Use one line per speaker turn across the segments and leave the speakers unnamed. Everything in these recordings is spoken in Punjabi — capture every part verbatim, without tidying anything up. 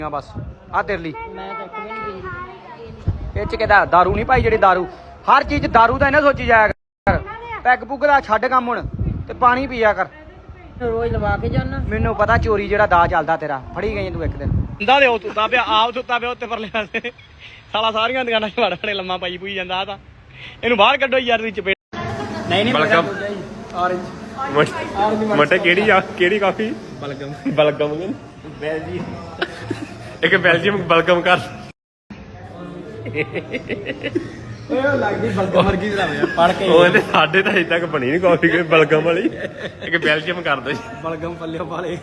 बस आ तेरे लिए
मैं तो एक भी नहीं पींदी।
ਇਹ ਚ ਕਿਹਦਾ दारू ਨਹੀਂ ਭਾਈ ਜਿਹੜੀ दारू ਹਰ ਚੀਜ਼ दारू ਦਾ ਇਹਨਾਂ ਸੋਚੀ ਜਾਇਆ ਕਰ ਪੈਗ ਪੁੱਗ ਦਾ ਛੱਡ ਕੰਮ ਹੁਣ ਤੇ ਪਾਣੀ ਪੀਆ ਕਰ
रोज लवा के जाना
ਮੈਨੂੰ ਪਤਾ ਚੋਰੀ ਜਿਹੜਾ ਦਾ ਚੱਲਦਾ ਤੇਰਾ ਫੜੀ ਗਈ ਤੂੰ ਇੱਕ ਦਿਨ ਹੁੰਦਾ ਦੇ ਉਹ ਤੁੱਤਾ ਪਿਆ ਆਪ ਤੁੱਤਾ ਪਿਆ ਉੱਤੇ ਪਰਲੇ ਪਾਸੇ ਸਾਲਾ ਸਾਰੀਆਂ ਦੁਕਾਨਾਂ 'ਚ ਵੜ ਵੜੇ ਲੰਮਾ ਪਾਈ ਪੂਈ ਜਾਂਦਾ ਆ ਤਾਂ ਇਹਨੂੰ ਬਾਹਰ ਕੱਢੋ ਯਾਰ ਦੀ ਚਪੇਟ ਨਹੀਂ ਨਹੀਂ
ਬਲਗਮ
ਔਰੇਂਜ
ਮਟੇ ਕਿਹੜੀ ਆ ਕਿਹੜੀ ਕਾਫੀ
ਬਲਗਮ
ਬਲਗਮ ਬੈਲਜੀ ਇੱਕ ਬੈਲਜੀਅਮ ਬਲਗਮ ਕਰ
ਓਏ ਲੱਗਦੀ ਬਲਗਮ ਵਰਗੀ ਜਰਾ ਪੜ ਕੇ
ਉਹ ਇਹਦੇ ਸਾਡੇ ਤਾਂ ਅਜੇ ਤੱਕ ਬਣੀ ਨਹੀਂ ਕਾਫੀ ਕੋਈ ਬਲਗਮ ਵਾਲੀ ਇੱਕ ਬੈਲਜੀਅਮ ਕਰ ਦੋ
ਬਲਗਮ ਪੱਲਿਓ ਵਾਲੇ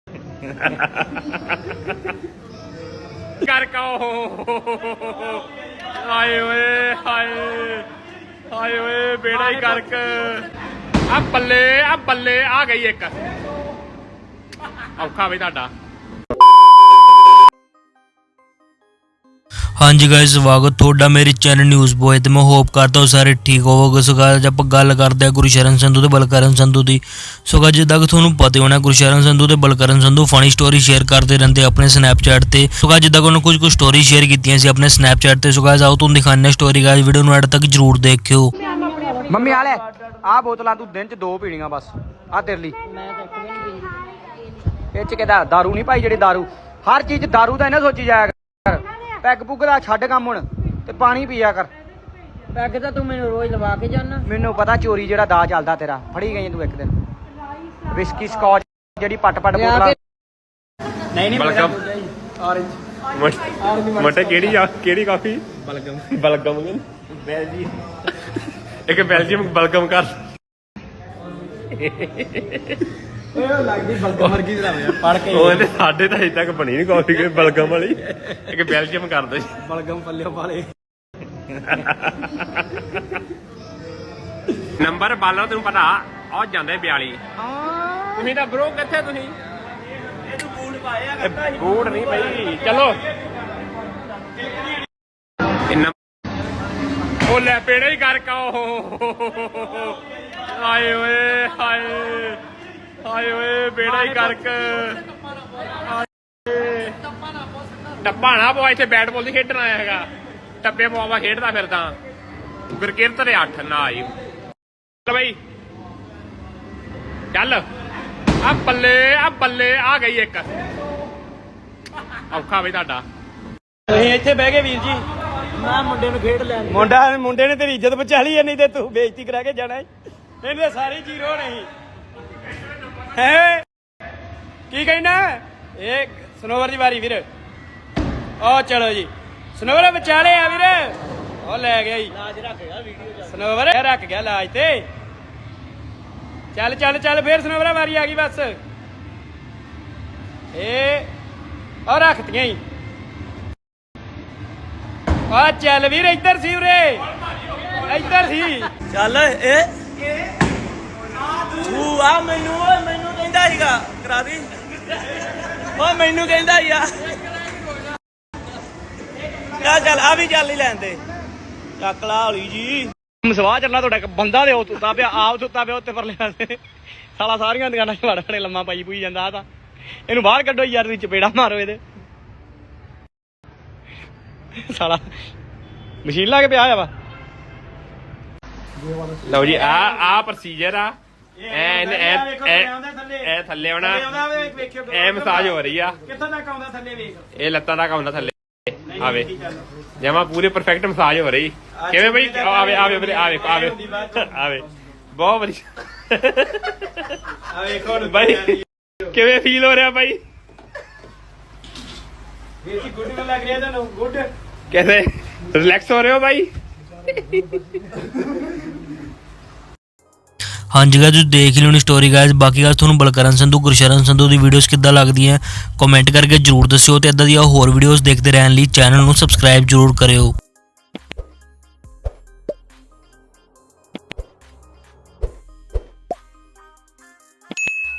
ਕਰ ਕੋ ਆਏ ਓਏ ਹਾਏ ਹਾਏ ਓਏ ਬੇੜਾ ਹੀ ਕਰਕ ਆ ਬੱਲੇ ਆ ਬੱਲੇ ਆ ਗਈ ਇੱਕ ਔਖਾ ਵੀ ਤੁਹਾਡਾ।
हाँ जी गाइस स्वागत थोड़ा मेरे चैनल न्यूज़ बॉय तो मैं होप करता हूँ सारे ठीक होवोगे। सो गाइस आप गल करते हैं गुरशरण संधू ते बलकरण संधू की। सो गाइस जिद्दां कि तुहानूं पता होना गुरशरण संधू ते Balkaran Sandhu funny story share करते रहते अपने स्नैपचैट ते। सो गाइस जिद्दां कि उन्होंने कुछ कुछ स्टोरी शेयर कीतियां सी अपने स्नैपचैट ते। सो गाइस आओ तुहानूं दिखाने स्टोरी गाइस वीडियो नूं एंड तक जरूर देखियो।
ਮੰਮੀ ਵਾਲੇ ਆ ਬੋਤਲਾਂ ਤੂੰ ਦਿਨ ਚ ਦੋ ਪੀਣੀਆਂ ਬਸ ਆ ਤੇਰੇ ਲਈ
मैं तो एक भी नहीं पींदी।
ਇਹ ਚ ਕਿਹਦਾ दारू ਨਹੀਂ ਭਾਈ ਜਿਹੜੀ दारू ਹਰ ਚੀਜ਼ दारू ਦਾ ਇਹਨਾਂ ਸੋਚੀ ਜਾਇਆ ਕਰ ਪੈਗ ਪੁੱਗ ਦਾ ਛੱਡ ਕੰਮ ਹੁਣ ਤੇ ਪਾਣੀ ਪੀਆ ਕਰ
पैग तो तू मैंने रोज लवा के जाना
ਮੈਨੂੰ ਪਤਾ ਚੋਰੀ ਜਿਹੜਾ ਦਾ ਚੱਲਦਾ ਤੇਰਾ ਫੜੀ ਗਈ ਤੂੰ ਇੱਕ ਦਿਨ ਵਿਸਕੀ ਸਕਾਚ ਜਿਹੜੀ ਪੱਟ ਪੱਟ ਬੋਤਲਾਂ ਨਹੀਂ ਨਹੀਂ
ਬਲਗਮ
ਔਰੇਂਜ
ਮਟੇ ਕਿਹੜੀ ਆ ਕਿਹੜੀ ਕਾਫੀ
ਬਲਗਮ
ਬਲਗਮ ਬੈਲਜੀ ਇੱਕ ਬੈਲਜੀਅਮ ਬਲਗਮ ਕਰ
ਓਏ ਲੱਗਦੀ ਬਲਗਮ ਵਰਗੀ ਜਰਾ ਪੜ ਕੇ
ਉਹ ਇਹਦੇ ਸਾਡੇ ਤਾਂ ਅਜੇ ਤੱਕ ਬਣੀ ਨਹੀਂ ਕਾਫੀ ਕੋਈ ਬਲਗਮ ਵਾਲੀ ਇੱਕ ਬੈਲਜੀਅਮ ਕਰ ਦੋ
ਬਲਗਮ ਪੱਲਿਓ ਵਾਲੇ
ਨੰਬਰ ਬਾਲੋ ਤੈਨੂੰ ਪਤਾ ਆ ਜਾਂਦੇ ਬਿਆਲੀ ਤੁਸੀਂ ਤਾਂ ਬ్రో ਕਿੱਥੇ ਤੁਸੀਂ ਇਹਨੂੰ ਬੂਟ ਪਾਏ ਆ ਬੂਟ ਨਹੀਂ ਬਈ ਚਲੋ ਉਹ ਲੈ ਪੇੜਾ ਹੀ ਕਰ ਕਾ ਆਏ ਓਏ ਹਾਏ ਹਾਏ ਓਏ ਬੇੜਾ ਹੀ ਕਰਕ ਟੱਪਾ ਨਾ ਪਵਾ ਇੱਥੇ ਬੈਟ ਬਾਲ ਦੀ ਖੇਡਣ ਆਇਆ ਹੈਗਾ ਟੱਪੇ ਪਵਾਵਾ ਖੇਡਦਾ ਫਿਰਦਾ ਗੁਰਕਿਰਤ ਦੇ ਅੱਠ ਨਾ ਆਈ ਚੱਲ ਬਈ ਚੱਲ ਆ ਬੱਲੇ ਆ ਬੱਲੇ ਆ ਗਈ ਇੱਕ ਔਖਾ ਵੀ ਤੁਹਾਡਾ।
ਤੁਸੀਂ ਇੱਥੇ ਬਹਿ ਗਏ ਵੀਰ ਜੀ
मैं मुंडे नु खेड लैन
ਮੁੰਡਾ ਮੁੰਡੇ ਨੇ ਤੇਰੀ ਇੱਜ਼ਤ ਬਚਾ ਲਈ ਨਹੀਂ ਤੇ ਤੂੰ ਬੇਇੱਜ਼ਤੀ ਕਰਾ ਕੇ ਜਾਣਾ ਇਹਨੇ ਸਾਰੀ ਜ਼ੀਰੋ ਨਹੀਂ ਹੈ ਕੀ ਕਹਿਣਾ ਇਹ ਸਨੋਵਰ ਦੀ ਵਾਰੀ ਵੀਰ ਉਹ ਚਲੋ ਜੀ ਸਨੋਵਰ ਵਿਚਾਲੇ ਆ ਵੀਰ ਉਹ ਲੈ ਗਿਆ ਜੀ ਲਾਜ ਰੱਖ ਗਿਆ ਵੀਡੀਓ ਸਨੋਵਰ ਰੱਖ ਗਿਆ ਲਾਜ ਤੇ ਚੱਲ ਚੱਲ ਚੱਲ ਫੇਰ ਸਨੋਵਰ ਵਾਰੀ ਆ ਗਈ ਬਸ ਇਹ ਉਹ ਰੱਖਤੀਆਂ ਹੀ ਆ ਚੱਲ ਵੀਰ ਇੱਧਰ ਸੀ ਉਰੇ ਇੱਧਰ ਸੀ
ਚੱਲ ਇਹ ਤੂੰ ਆ ਮੈਨੂੰ ਓਏ ਮੈਨੂੰ ਕਹਿੰਦਾ ਸੀਗਾ ਕਰਾ ਦੀ ਓ ਮੈਨੂੰ ਕਹਿੰਦਾ ਹੀ ਆ ਚੱਲ ਚੱਲ ਆ ਵੀ ਚੱਲ ਹੀ ਲੈਂਦੇ ਚੱਕ ਲਾ ਹੌਲੀ ਜੀ
ਮਸਵਾ ਚੱਲਣਾ ਤੁਹਾਡਾ ਇੱਕ ਬੰਦਾ ਦੇ ਉਹ ਤੁੱਤਾ ਪਿਆ ਆਪ ਤੁੱਤਾ ਪਿਆ ਉੱਤੇ ਪਰਲੇ ਪਾਸੇ ਸਾਲਾ ਸਾਰੀਆਂ ਦੁਕਾਨਾਂ 'ਚ ਵੜ ਵੜੇ ਲੰਮਾ ਪਾਈ ਪੂਈ ਜਾਂਦਾ ਆ ਤਾਂ ਇਹਨੂੰ ਬਾਹਰ ਕੱਢੋ ਯਾਰ ਦੀ ਚਪੇੜਾ ਮਾਰੋ ਇਹਦੇ ਸਾਲਾ ਮਸ਼ੀਨ ਲਾ ਕੇ ਪਿਆ ਆ ਵਾ
ਲਓ ਜੀ ਆ ਆ ਪ੍ਰੋਸੀਜਰ ਆ ਇਹ ਇਹ ਥੱਲੇ ਆਉਣਾ ਇਹ ਮਸਾਜ ਹੋ ਰਹੀ ਆ
ਕਿੱਥੋਂ ਤੱਕ ਆਉਂਦਾ ਥੱਲੇ ਵੇਖ
ਇਹ ਲੱਤਾਂ ਤੱਕ ਆਉਂਦਾ ਥੱਲੇ ਆਵੇ ਜਮਾ ਪੂਰੇ ਪਰਫੈਕਟ ਮਸਾਜ ਹੋ ਰਹੀ ਕਿਵੇਂ ਬਈ ਆਵੇ ਆਵੇ ਆਵੇ ਆਵੇ ਆਵੇ ਬਹੁਤ ਵਧੀਆ
ਆ ਵੇਖੋ
ਬਾਈ ਕਿਵੇਂ ਫੀਲ ਹੋ ਰਿਹਾ ਬਾਈ
ਵੀਰ ਜੀ ਗੁੱਡ ਲੱਗ ਰਿਹਾ ਤੁਹਾਨੂੰ ਗੁੱਡ
कैसे रिलैक्स हो रहे हो भाई।
हाँ जी गाइस तुसीं देख लियो स्टोरी गाइस बाकी गाइस तुहानूं बलकरण संधू गुरशरण संधू दी वीडियोस किद्दां लगदियां कमेंट करके जरूर दस्सिओ ते इदां दी होर वीडियोस देखते रहने लई चैनल नूं सबसक्राइब जरूर करियो।